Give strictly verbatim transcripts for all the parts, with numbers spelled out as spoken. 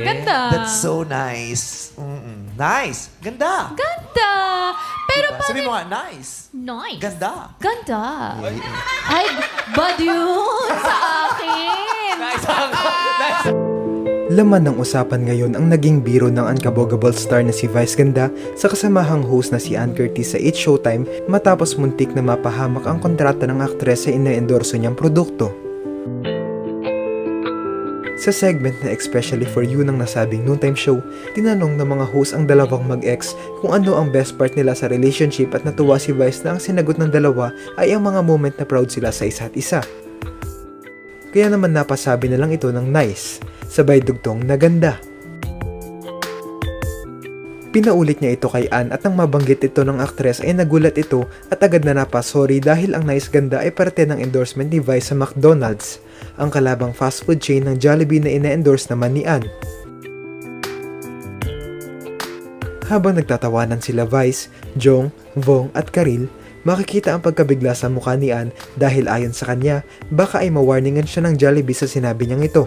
Ganda. That's so nice. Mm-mm. Nice. Ganda. Ganda. Pero Diba? bakit... Sabi mo nga, nice. Nice. Ganda. Ganda. Ay, bad yun sa akin. Nice ako. Nice. Laman ng usapan ngayon ang naging biro ng unkabogable star na si Vice Ganda sa kasamahang host na si Ann Curtis sa It's Showtime matapos muntik na mapahamak ang kontrata ng aktres sa ina-endorso niyang produkto. Sa segment na Especially For You ng nasabing noontime show, tinanong ng mga host ang dalawang mag-ex kung ano ang best part nila sa relationship at natuwa si Vice na ang sinagot ng dalawa ay ang mga moment na proud sila sa isa't isa. Kaya naman napasabi na lang ito ng nice, sabay dugtong na ganda. Pinaulit niya ito kay Ann at nang mabanggit ito ng aktres ay nagulat ito at agad na napasorry dahil ang nice ganda ay parte ng endorsement ni Vice sa McDonald's, ang kalabang fast food chain ng Jollibee na ina-endorse naman ni Ann. Habang nagtatawanan sila Vice, Jong, Vong at Karil, makikita ang pagkabigla sa mukha ni Ann dahil ayon sa kanya, baka ay mawarningan siya ng Jollibee sa sinabi niyang ito.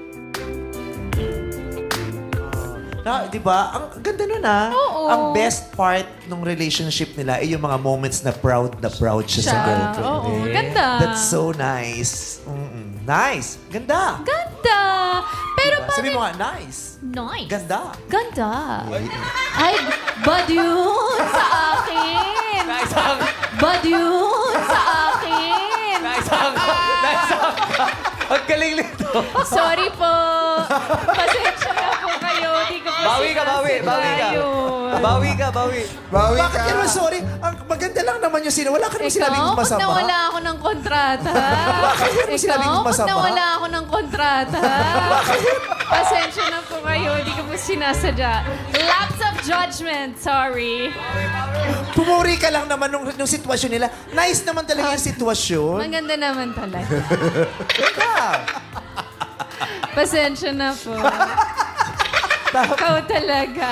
Na, di ba? Ang ganda nun ah. Oo. Ang best part ng relationship nila ay yung mga moments na proud na proud siya, sa Siya. girlfriend. Oo, eh. ganda. That's so nice. Mm-mm. Nice. Ganda. Ganda. Pero Diba? bakit... Sabi mo nga, nice. Nice. Ganda. Ganda. Ay, bad yun sa akin. Nice ako. Bad yun sa akin. Nice ako. Nice ako. Ang galing nito. Sorry po. Pasensya na po kayo. Di ko po Bawi ka, bawi, bawi ka. sinasadya yun. Bawi ka, bawi. Bawi Bakit ka. ka naman sorry? Ang maganda lang naman yung sino. Wala ka naman Ikaw, sinabing pag masama. nawala ako ng kontrata. mo sinabing Ikaw, pag masama? nawala ako ng kontrata. Pasensya na po kayo. Di ko po sinasadya. Lapse of judgment. Sorry. Pumuri ka lang naman nung, nung sitwasyon nila. Nice naman talaga yung sitwasyon. Maganda naman talaga. Ganda. Pasensya na po. Ikaw talaga.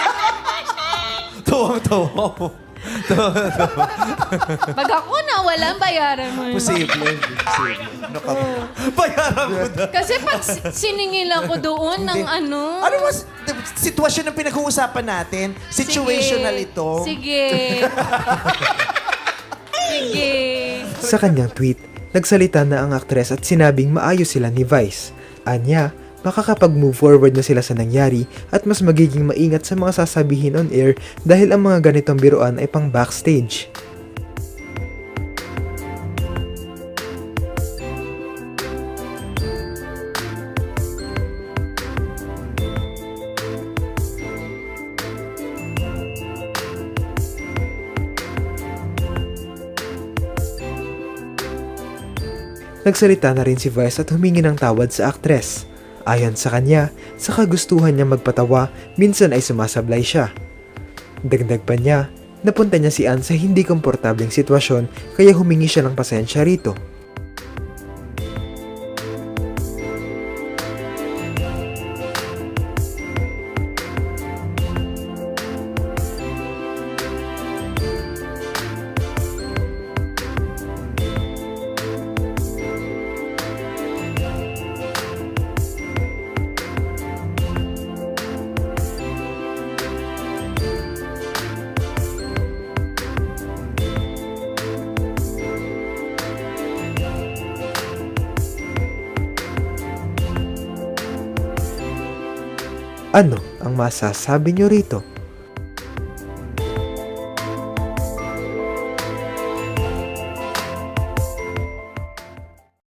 Tuwang-tuwa mo. Pag ako nawalan, bayaran mo yun. Posible. Posible. Ano ka ba? Bayaran mo na. Kasi pag si- siningil ako doon ng Hindi. ano... Ano mas sitwasyon na pinag-uusapan natin? Situational Sige. ito. Sige. Sige. Sa kanyang tweet, nagsalita na ang aktres at sinabing maayos sila ni Vice. Anya, makakapag-move forward na sila sa nangyari at mas magiging maingat sa mga sasabihin on air dahil ang mga ganitong biruan ay pang backstage. Nagsalita na rin si Vice at humingi ng tawad sa aktres. Ayon sa kanya, sa kagustuhan niya magpatawa, minsan ay sumasablay siya. Dagdag pa niya, napunta niya si Ann sa hindi komportableng sitwasyon kaya humingi siya ng pasensya rito. Ano ang masasabi niyo rito?